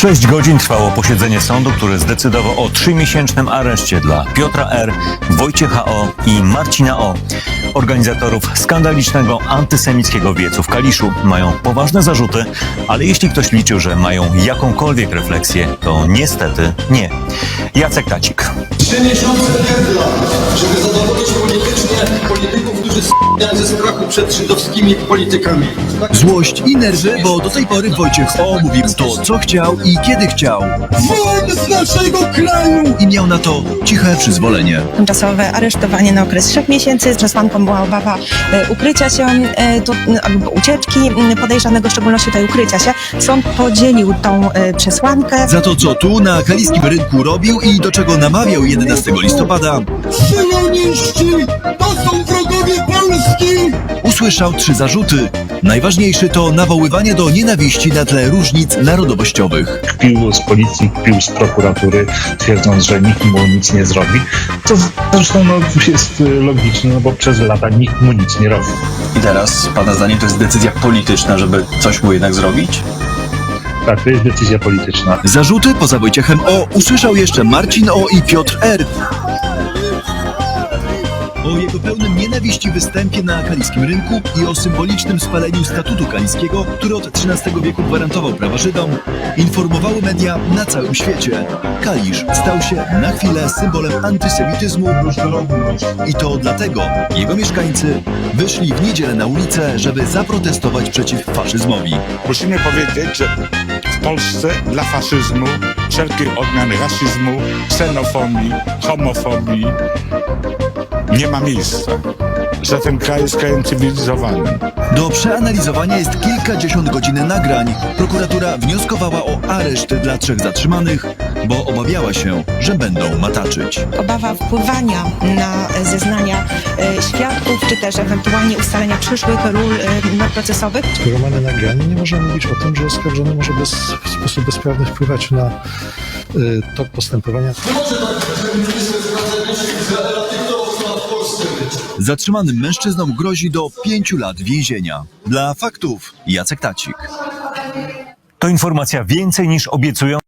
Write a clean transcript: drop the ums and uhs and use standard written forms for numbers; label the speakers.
Speaker 1: 6 godzin trwało posiedzenie sądu, który zdecydował o 3-miesięcznym areszcie dla Piotra R., Wojciecha O. i Marcina O. Organizatorów skandalicznego antysemickiego wiecu w Kaliszu. Mają poważne zarzuty, ale jeśli ktoś liczył, że mają jakąkolwiek refleksję, to niestety nie. Jacek Tacik.
Speaker 2: 3 miesiące pierdla, żeby zadowolić polityków, którzy s***ają ze strachu przed żydowskimi politykami.
Speaker 3: Złość i nerwy, bo do tej pory Wojciech O. mówił to, co chciał i kiedy chciał.
Speaker 2: Wolny z naszego kraju!
Speaker 3: I miał na to ciche przyzwolenie.
Speaker 4: Tymczasowe aresztowanie na okres 3 miesięcy. Przesłanką była obawa ukrycia się albo ucieczki podejrzanego, w szczególności tej ukrycia się. Sąd podzielił tą przesłankę.
Speaker 3: Za to, co tu na kaliskim rynku robił i do czego namawiał 11 listopada,
Speaker 2: Syjoniści! To są wrogowie Polski!
Speaker 3: usłyszał 3 zarzuty. Najważniejszy to nawoływanie do nienawiści na tle różnic narodowościowych.
Speaker 5: Kpił z policji, kpił z prokuratury, twierdząc, że nikt mu nic nie zrobi. To zresztą jest logiczne, no bo przez lata nikt mu nic nie robi.
Speaker 6: I teraz, pana zdaniem, to jest decyzja polityczna, żeby coś mu jednak zrobić?
Speaker 5: Tak, to jest decyzja polityczna.
Speaker 3: Zarzuty poza Wojciechem O. usłyszał jeszcze Marcin O. i Piotr R. O jego pełnym nienawiści występie na kaliskim rynku i o symbolicznym spaleniu statutu kaliskiego, który od XIII wieku gwarantował prawa Żydom, informowały media na całym świecie. Kalisz stał się na chwilę symbolem antysemityzmu i to dlatego jego mieszkańcy wyszli w niedzielę na ulicę, żeby zaprotestować przeciw faszyzmowi.
Speaker 7: Musimy powiedzieć, że w Polsce dla faszyzmu, wszelkich odmian rasizmu, ksenofobii, homofobii nie ma miejsca, że ten kraj jest krajem cywilizowanym.
Speaker 3: Do przeanalizowania jest kilkadziesiąt godzin nagrań. Prokuratura wnioskowała o areszt dla 3 zatrzymanych, bo obawiała się, że będą mataczyć.
Speaker 4: Obawa wpływania na zeznania świadków, czy też ewentualnie ustalenia przyszłych ról procesowych.
Speaker 8: Skoro mamy nagranie, nie możemy mówić o tym, że oskarżony może w sposób bezprawny wpływać na tok postępowania.
Speaker 2: Nie może tak być, że minister spraw zagranicznych Izraela dyktował, co ma w Polsce być.
Speaker 3: Zatrzymanym mężczyznom grozi do 5 lat więzienia. Dla faktów Jacek Tacik.
Speaker 1: To informacja więcej niż obiecują.